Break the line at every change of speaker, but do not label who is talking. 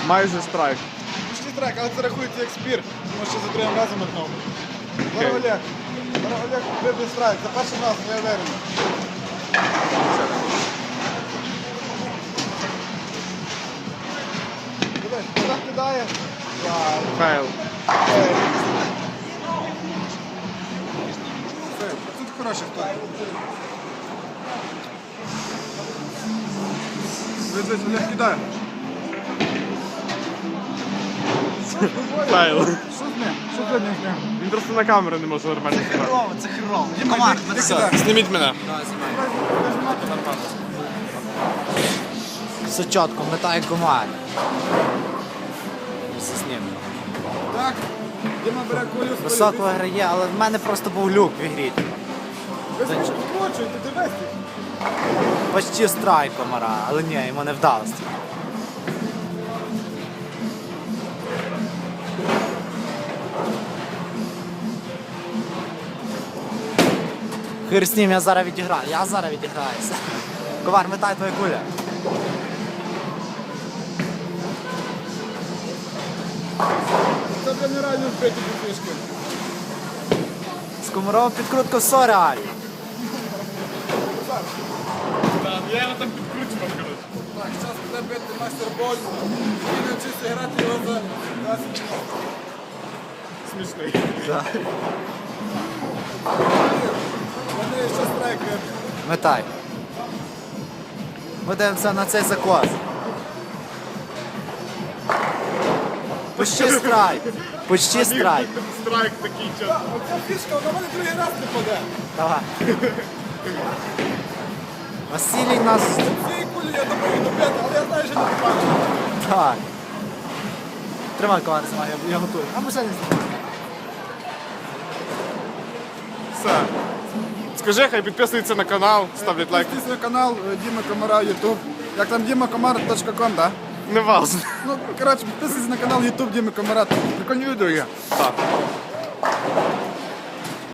Майже страйк.
Пішли трек, але це рахується як спір, тому що за другим разом метнув. Зараз Олег. Зараз Олег вибив страйк. За першим разом, я уверений. Дивись, так кидає.
Фейл.
Тут хороший хто. Дивись, Олег кидає.
Фейл.
Що з ним? Що з ним?
Він просто на камеру не може нормально знімати.
Це херово. Комар, ми
Все,
Зніміть мене.
все чітко, метає комар. Все з ним.
Так, Діма бере кулю.
Високо грає, але в мене просто був люк в ігрі.
Ви скочуєте, дивись.
Почти страйк комара, але ні, йому не вдалося. Хир з ним, я зараз відіграюся. Ковар, метай твоя куля.
Це вже нереально збити фішки.
З комаром підкрутка все реально.
Я його так підкручував, коротше.
Так, зараз буде бити мастер боль. Він навчився грати його за 10
Смішний.
Вони ще страйк вибили.
Метай. Ми дивимося на цей закос. Почти страйк. Почти страйк.
Страйк такий час.
Оця фішка, вона мене другий раз не паде.
Давай. Василій нас...
Цієї кулі я думаю добити, але я знаю, що не попаду.
Так. Тримай ковар, я готую. А ми ще не знімаємо.
Все. Скажи, хай підписуються на канал, ставлять лайк.
Підписуйтесь на канал Діма Комара YouTube. Як там dimakomar.com, так?
Не важно.
Ну, коротше, підписуйтесь на канал YouTube Діми Комара. Прикольні відео є.
Так.